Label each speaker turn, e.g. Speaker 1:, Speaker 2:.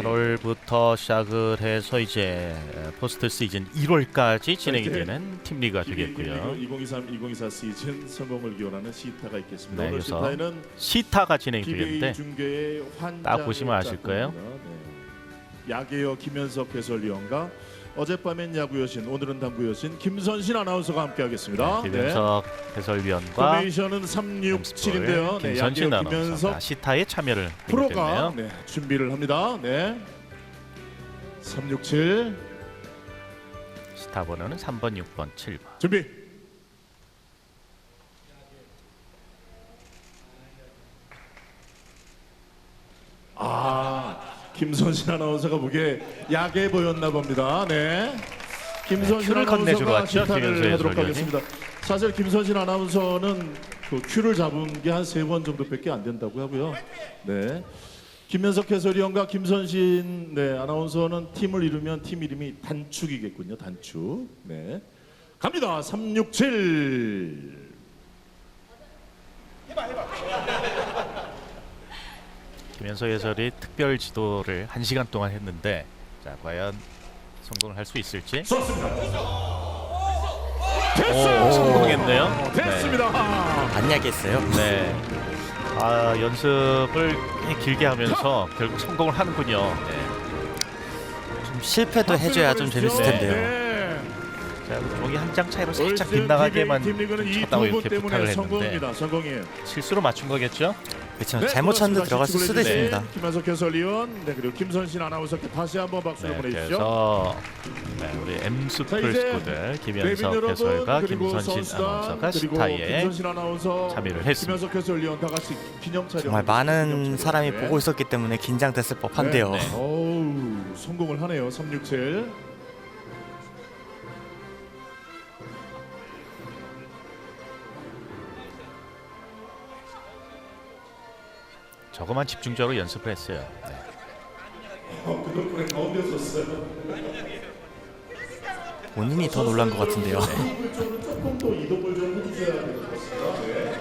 Speaker 1: 8월부터 시작을 해서 이제 포스트 시즌 1월까지 진행이 되는 팀리그가 되겠고요.
Speaker 2: 2023-2024 시즌 성공을 기원하는 시타가 있겠습니다.
Speaker 1: 네,
Speaker 2: 오늘
Speaker 1: 그래서
Speaker 2: 시타에는
Speaker 1: 시타가 진행이
Speaker 2: PBA
Speaker 1: 되는데
Speaker 2: 중계의
Speaker 1: 딱 보시면 아실 거예요.
Speaker 2: 네. 야계여 김현석 해설위원과 어젯밤엔 야구 여신, 오늘은 당구 여신 김선신 아나운서가 함께하겠습니다.
Speaker 1: 김현석 해설위원과
Speaker 2: 포메이션은 367인데요. 네,
Speaker 1: 김선신
Speaker 2: 야계여
Speaker 1: 아나운서가
Speaker 2: 김현석
Speaker 1: 시타에 참여를
Speaker 2: 프로가
Speaker 1: 했네요.
Speaker 2: 네, 준비를 합니다. 네. 367
Speaker 1: 시타 번호는 3번, 6번, 7번.
Speaker 2: 준비. 김선신 아나운서가 보기에 야게 보였나 봅니다. 네. 김선신
Speaker 1: 큐를 건네주러
Speaker 2: 아나운서가
Speaker 1: 왔죠,
Speaker 2: 시타를
Speaker 1: 김현수
Speaker 2: 하도록
Speaker 1: 해설위원이.
Speaker 2: 하겠습니다. 사실 김선신 아나운서는 그 큐를 잡은 게 한 3번 정도밖에 안 된다고 하고요. 네. 김현석 해설위원과 김선신 아나운서는 팀을 이루면 팀 이름이 단축이겠군요. 단축. 네. 갑니다. 367.
Speaker 1: 김현석 해설이 특별 지도를 1시간 동안 했는데 자 과연 성공을 할 수 있을지.
Speaker 2: 좋습니다.
Speaker 1: 오,
Speaker 2: 됐어요.
Speaker 1: 성공했네요.
Speaker 2: 됐습니다.
Speaker 3: 안 야겠어요?
Speaker 1: 네. 연습을 길게 하면서 결국 성공을 하는군요. 네.
Speaker 3: 좀 실패도 해줘야 좀 재밌을 텐데요.
Speaker 2: 네.
Speaker 1: 자, 종이 한 장 차이로 살짝
Speaker 2: 올스타
Speaker 1: 빗나가게만
Speaker 2: 팀리그는 이
Speaker 1: 쳤다고
Speaker 2: 두 분
Speaker 1: 이렇게 부탁을
Speaker 2: 때문에
Speaker 1: 했는데
Speaker 2: 성공입니다. 성공이에요.
Speaker 1: 실수로 맞춘 거겠죠?
Speaker 3: 그렇죠.
Speaker 2: 네,
Speaker 3: 잘못 쳤는데
Speaker 2: 고맙습니다.
Speaker 3: 들어갔을 수도
Speaker 2: 시청해
Speaker 3: 있습니다.
Speaker 2: 주신 김현석 해설위원, 그리고 김선신 아나운서께 다시 한번 박수를
Speaker 1: 네,
Speaker 2: 보내주시죠.
Speaker 1: 그래서 우리 엠스
Speaker 2: 자, 이제
Speaker 1: 풀스코들
Speaker 2: 대빈
Speaker 1: 김현석
Speaker 2: 여러분,
Speaker 1: 해설과
Speaker 2: 그리고
Speaker 1: 김선신
Speaker 2: 선수단,
Speaker 1: 아나운서가
Speaker 2: 그리고
Speaker 1: 시타에
Speaker 2: 김선신 아나운서,
Speaker 1: 참여를 했습니다.
Speaker 2: 김현석 해설위원 다 같이 기념 촬영.
Speaker 3: 정말 많은 사람이 보고 있었기 때문에 긴장됐을 법한데요.
Speaker 1: 네.
Speaker 2: 어우, 성공을 하네요. 367.
Speaker 1: 저거만 집중적으로 연습을 했어요. 네.
Speaker 2: 그 덕분에 가운데 섰어요.
Speaker 3: 본인이 더 놀란 것 같은데요.
Speaker 2: 조금 더 이동을 좀 해주셔야 될 것 같습니다. 네.